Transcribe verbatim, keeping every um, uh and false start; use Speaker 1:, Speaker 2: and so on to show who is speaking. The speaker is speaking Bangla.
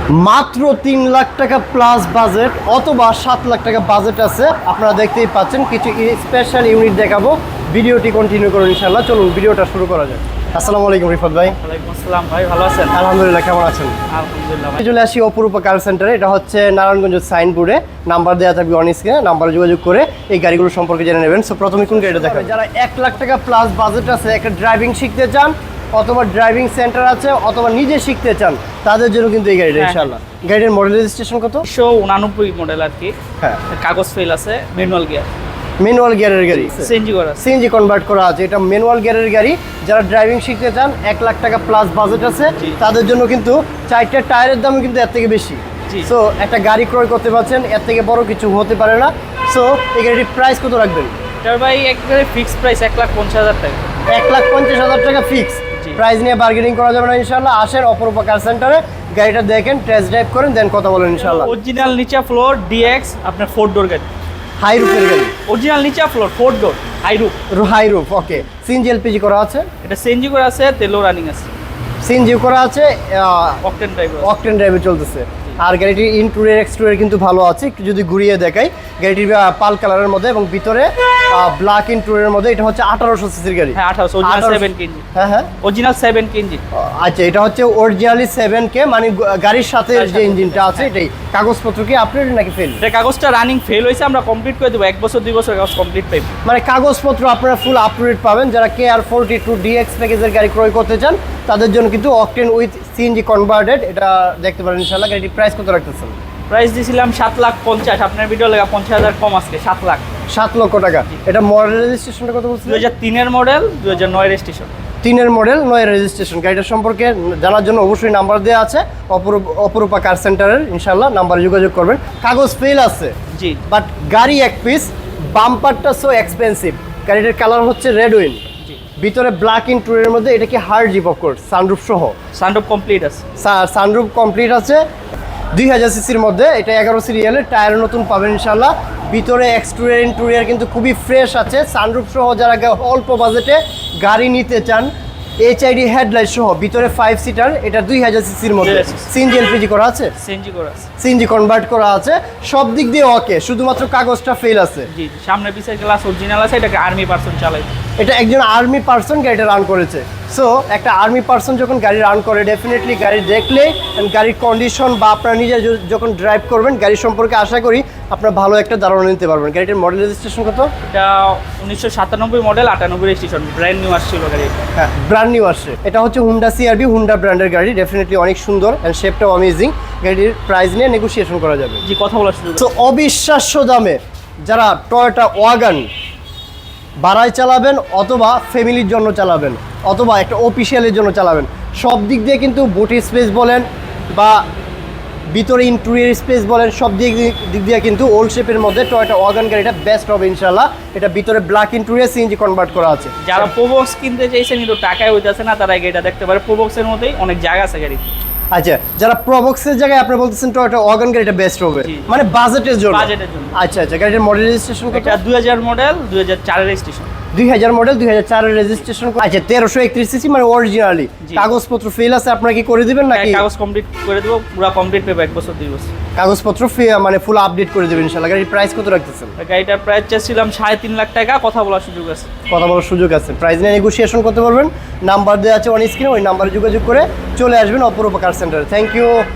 Speaker 1: মাত্র তিন লাখ টাকা প্লাস বাজেট অথবা সাত লাখ টাকা বাজেট আছে। আপনারা দেখতেই পাচ্ছেন কিছু স্পেশাল ইউনিট দেখাবো। ভিডিওটি কন্টিনিউ করুন ইনশাআল্লাহ। চলুন ভিডিওটা শুরু করা যাক। আসসালামু আলাইকুম রিফাত ভাই।
Speaker 2: ওয়ালাইকুম আসসালাম ভাই, ভালো আছেন?
Speaker 1: আলহামদুলিল্লাহ, কেমন আছেন?
Speaker 2: আলহামদুলিল্লাহ ভাই।
Speaker 1: চলে আসি অপরূপা কার সেন্টারে। এটা হচ্ছে নারায়ণগঞ্জ সাইনবোর্ডে নাম্বার দেওয়া থাকবে অন স্ক্রিনে। নাম্বারে যোগাযোগ করে এই গাড়িগুলো সম্পর্কে জেনে নেবেন। সো প্রথমে কোন গাড়িটা দেখাবেন? যারা এক লাখ টাকা প্লাস বাজেট আছে, একটা ড্রাইভিং শিখতে চান অথবা ড্রাইভিং সেন্টার আছে অথবা নিজে শিখতে চান, তাদের জন্য কিন্তু এই গাড়িটা ইনশাআল্লাহ। গাড়ির মডেল রেজিস্ট্রেশন কত?
Speaker 2: একশো উনানব্বই মডেল আর কি।
Speaker 1: হ্যাঁ,
Speaker 2: কাগজ ফেল আছে, ম্যানুয়াল গিয়ার,
Speaker 1: ম্যানুয়াল গিয়ারের গাড়ি,
Speaker 2: সিএনজি করা,
Speaker 1: সিএনজি কনভার্ট করা আছে। এটা ম্যানুয়াল গিয়ারের গাড়ি। যারা ড্রাইভিং শিখতে চান, এক লাখ টাকা প্লাস বাজেট আছে, তাদের জন্য কিন্তু চারটা টায়ারের দাম কিন্তু এর থেকে বেশি। সো একটা গাড়ি ক্রয় করতে পারছেন, এর থেকে বড় কিছু হতে পারে না। সো এই গাড়ির প্রাইস কত রাখবেন?
Speaker 2: এটার ভাই একবারে ফিক্সড প্রাইস এক লাখ পঞ্চাশ হাজার টাকা।
Speaker 1: এক লাখ পঞ্চাশ হাজার টাকা ফিক্স প্রাইস নিয়ে বার্গেনিং করা যাবে না ইনশাআল্লাহ। আসেন অপরূপা কার সেন্টারে, গাড়িটা দেখেন, টেস্ট ড্রাইভ করেন, দেন কথা বলেন ইনশাআল্লাহ।
Speaker 2: অরিজিনাল নিচা ফ্লোর ডিএক্স আপনার ফোর ডোর গাড়ি,
Speaker 1: হাই রুফের গাড়ি।
Speaker 2: অরিজিনাল নিচা floor four door high roof.
Speaker 1: High roof, okay. CNG LPG করা আছে,
Speaker 2: এটা সিএনজি করা আছে, তেলও রানিং আছে।
Speaker 1: সিএনজি করা আছে,
Speaker 2: অকটেন ড্রাইভ,
Speaker 1: অকটেন ড্রাইভে চলতেছে। আর গাড়িটির ইন্টেরিয়র এক্সটেরিয়র কিন্তু ভালো আছে। একটু যদি ঘুরিয়ে দেখাই, গাড়িটির পাল কালারের মধ্যে এবং ভিতরে ব্ল্যাক ইন্টেরিয়রের মধ্যে। এটা হচ্ছে আঠারোশো সিসির গাড়ি।
Speaker 2: হ্যাঁ আঠারোশো, অরিজিনাল সেভেন কে ইঞ্জিন।
Speaker 1: হ্যাঁ হ্যাঁ,
Speaker 2: অরিজিনাল সেভেন কে ইঞ্জিন।
Speaker 1: আচ্ছা, এটা হচ্ছে অরিজিনালি সেভেন কে, মানে গাড়ির সাথে যে ইঞ্জিনটা আছে এটাই। কাগজপত্র কি আপডেট নাকি ফেল?
Speaker 2: এটা কাগজটা রানিং ফেল হয়েছে, আমরা কমপ্লিট করে দেবো। এক বছর দুই বছর কাগজ কমপ্লিট পাইব,
Speaker 1: মানে কাগজপত্র আপনারা ফুল আপডেট পাবেন। যারা কে আর ফোরটি টু ডিএক্স প্যাকেজের গাড়ি ক্রয় করতে চান, তাদের জন্য কিন্তু অকটেন উইথ সিএনজি কনভার্টেড এটা দেখতে পারেন ইনশাআল্লাহ। গাড়িটির প্রাইস কত রাখতেছেন?
Speaker 2: প্রাইস দিয়েছিলাম সাত লাখ পঞ্চাশ, আপনার ভিডিও লেগা পঞ্চাশ হাজার কম আজকে সাত লাখ
Speaker 1: সাত লক্ষ টাকা। এটা মডেল রেজিস্ট্রেশনটা কত বলছেন?
Speaker 2: দুই হাজার তিনের মডেল, দুই হাজার নয় রেজিস্ট্রেশন।
Speaker 1: তিনের মডেল, নয় রেজিস্ট্রেশন। গাড়িটার সম্পর্কে জানার জন্য অবশ্যই নাম্বার দেওয়া আছে অপরূপা কার সেন্টারের, ইনশাআল্লাহ নাম্বারে যোগাযোগ করবেন। কাগজ ফেল আছে
Speaker 2: জি,
Speaker 1: বাট গাড়ি এক পিস। বাম্পারটা সো এক্সপেন্সিভ। গাড়িটার কালার হচ্ছে রেড উইন, ভিতরে ব্ল্যাক ইন্টেরিয়রের মধ্যে। এটা কি হার্ড জিপ অফকোর্স, সানরুফ সহ।
Speaker 2: সানরুফ কমপ্লিট আছে,
Speaker 1: সানরুফ কমপ্লিট আছে। দুই হাজার সিসির মধ্যে এটা এগারো সিরিয়ালের, টায়ার নতুন পাবেন ইনশাআল্লাহ। ভিতরে এক্সটেরিয়র ইন্টেরিয়র কিন্তু খুবই ফ্রেশ আছে। সানরুফ সহ যারা অল্প বাজেটে গাড়ি নিতে চান, এইচআইডি হেডলাইট সহ, ভিতরে ফাইভ সিটার। এটা দুই হাজার সিসির মধ্যে। সিএনজি এলপিজি করা আছে,
Speaker 2: সিএনজি করা আছে,
Speaker 1: সিএনজি কনভার্ট করা আছে। সব দিক দিয়ে ওকে, শুধুমাত্র কাগজটা ফেল আছে।
Speaker 2: জি, সামনে পিছের গ্লাস অরিজিনাল আছে। এটাকে আর্মি পারসন চালাই,
Speaker 1: এটা একজন আর্মি পার্সন গাড়িটা রান করেছে। সো একটা আর্মি পার্সন যখন গাড়ি রান করে, ডেফিনেটলি গাড়ি দেখলে গাড়ির কন্ডিশন বা আপনারা নিজে যখন ড্রাইভ করবেন, গাড়ি সম্পর্কে আশা করি আপনারা ভালো একটা ধারণা নিতে পারবেন। গাড়িটার মডেল রেজিস্ট্রেশন কত?
Speaker 2: এটা উনিশশো সাতানব্বই মডেল, আটানব্বই রেজিস্ট্রেশন, ব্র্যান্ড নিউ আসছিল গাড়ি।
Speaker 1: হ্যাঁ, ব্র্যান্ড নিউ আসছে। এটা হচ্ছে হুন্ডা সিআরভি, হুন্ডা ব্র্যান্ডের গাড়ি। ডেফিনেটলি অনেক সুন্দর অ্যান্ড শেপটাও অ্যামেজিং। গাড়ির প্রাইস নিয়ে নেগোসিয়েশন করা যাবে।
Speaker 2: জি, কথা বলার সুযোগ।
Speaker 1: তো অবিশ্বাস্য দামে যারা টয়োটা ওয়াগন ভাড়ায় চালাবেন অথবা ফ্যামিলির জন্য চালাবেন অথবা একটা অফিসিয়ালের জন্য চালাবেন, সব দিক দিয়ে কিন্তু বুটি স্পেস বলেন বা ভিতরে ইন্টেরিয়র স্পেস বলেন, সব দিক দিক দিয়ে কিন্তু ওল্ড শেপের মধ্যে টয়োটা ওয়াগন গাড়িটা বেস্ট হবে ইনশাআল্লাহ। এটা ভিতরে ব্ল্যাক ইন্টেরিয়র, সিএনজি কনভার্ট করা আছে।
Speaker 2: যারা প্রোবক্স কিনতে চাইছেন কিন্তু টাকায় হইতেছে না, তারা এই গাড়িটা দেখতে পারে। প্রোবক্সের মধ্যেই অনেক জায়গা আছে গাড়ি।
Speaker 1: আচ্ছা, যারা প্রবক্সের জায়গায় আপনি বলতেছেন টয়োটা ওয়াগন গাড়িটা বেস্ট হবে, মানে বাজেটের জন্য।
Speaker 2: বাজেটের জন্য।
Speaker 1: আচ্ছা আচ্ছা, গাড়িটার মডেল রেজিস্ট্রেশন কত?
Speaker 2: এটা দুই হাজার মডেল, দুই হাজার চারের রেজিস্ট্রেশন।
Speaker 1: দুই হাজার মডেল, দুই হাজার চারের রেজিস্ট্রেশন। আচ্ছা, তেরোশো একত্রিশ সিসি, মানে অরিজিনালি। কাগজপত্র ফেল আছে, আপনারা কি করে দিবেন নাকি?
Speaker 2: কাগজ কমপ্লিট করে দেবো, পুরো কমপ্লিট পেবে এক বছর দুই বছর।
Speaker 1: কাগজপত্র মানে ফুল আপডেট করে দেবেন ইনশাআল্লাহ। গাড়ির প্রাইস কত রাখতেছেন?
Speaker 2: গাড়িটার প্রাইস চাচ্ছিলাম সাড়ে তিন লাখ টাকা, কথা বলার সুযোগ আছে।
Speaker 1: কথা বলার সুযোগ আছে, প্রাইস নিয়ে নেগোসিয়েশন করতে পারবেন। নাম্বার দেওয়া আছে অন স্ক্রিনে, ওই নাম্বারে যোগাযোগ করে চলে আসবেন অপরূপা কার সেন্টারে। Thank you.